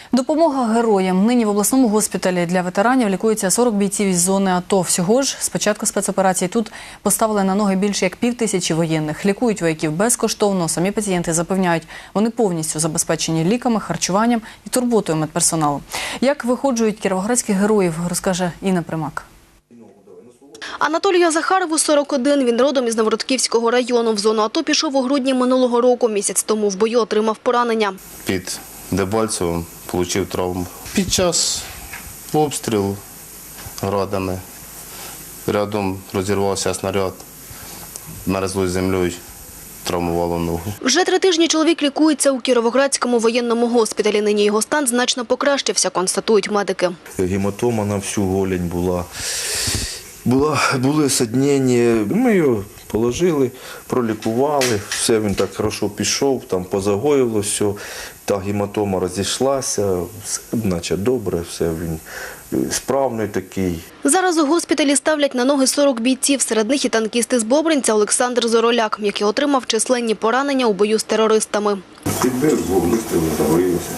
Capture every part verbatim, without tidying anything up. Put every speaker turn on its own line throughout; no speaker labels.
Допомога героям. Нині в обласному госпіталі для ветеранів лікується сорок бійців із зони АТО. Всього ж з початку спецоперації тут поставили на ноги більше як пів тисячі воєнних. Лікують вояків безкоштовно. Самі пацієнти запевняють, вони повністю забезпечені ліками, харчуванням і турботою медперсоналу. Як виходжують кіровоградських героїв, розкаже Інна Примак.
Анатолію Захарову сорок один. Він родом із Новоротківського району. В зону АТО пішов у грудні минулого року. Місяць тому в бою отримав поранення.
Під Дебальцевим отримав травму. Під час обстрілу градами рядом розірвався снаряд, мерзлою землею травмувало ногу.
Вже три тижні чоловік лікується у Кіровоградському воєнному госпіталі. Нині його стан значно покращився, констатують медики.
Гематома на всю голень була. Була, були саднення, ми його положили, пролікували, все, він так хорошо пішов, там позагоїло все, та гематома розійшлася, все наче добре, все, він справний такий.
Зараз у госпіталі ставлять на ноги сорок бійців, серед них і танкісти з Бобринця Олександр Зороляк, який отримав численні поранення у бою з терористами.
Підбив, двох вистрілів, загорілося.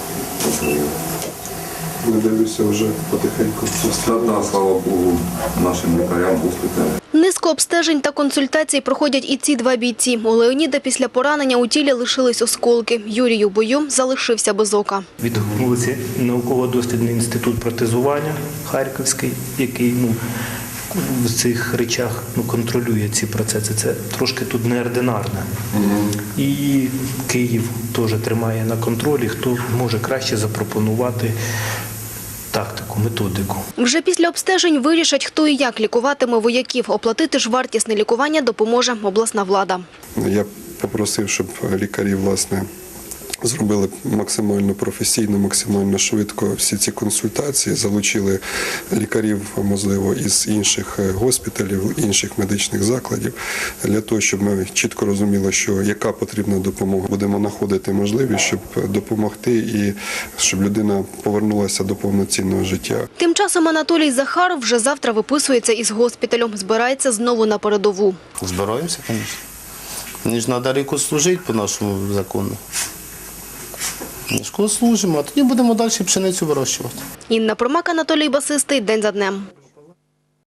Не дивлюся вже потихеньку. Складна, слава Богу, нашим лікарям госпіталі.
Низку обстежень та консультацій проходять і ці два бійці. У Леоніда після поранення у тілі лишились осколки. Юрій у бою залишився без ока.
Відгукнулися науково-дослідний інститут протезування Харківський, який ну, в цих речах ну, контролює ці процеси. Це трошки тут неординарне. І Київ теж тримає на контролі, хто може краще запропонувати тактику, методику.
Вже після обстежень вирішать, хто і як лікуватиме вояків. Оплатити ж вартісне лікування допоможе обласна влада.
Я попросив, щоб лікарі, власне, зробили максимально професійно, максимально швидко всі ці консультації, залучили лікарів, можливо, із інших госпіталів, інших медичних закладів, для того, щоб ми чітко розуміли, що яка потрібна допомога. Будемо знаходити можливість, щоб допомогти і щоб людина повернулася до повноцінного життя.
Тим часом Анатолій Захаров вже завтра виписується із госпіталю, збирається знову на передову.
Збираємося, звісно. Мені ж треба ріку служити по нашому закону. Школу служимо, а тоді будемо далі пшеницю вирощувати.
Інна Примак, Анатолій Басистий. День за днем.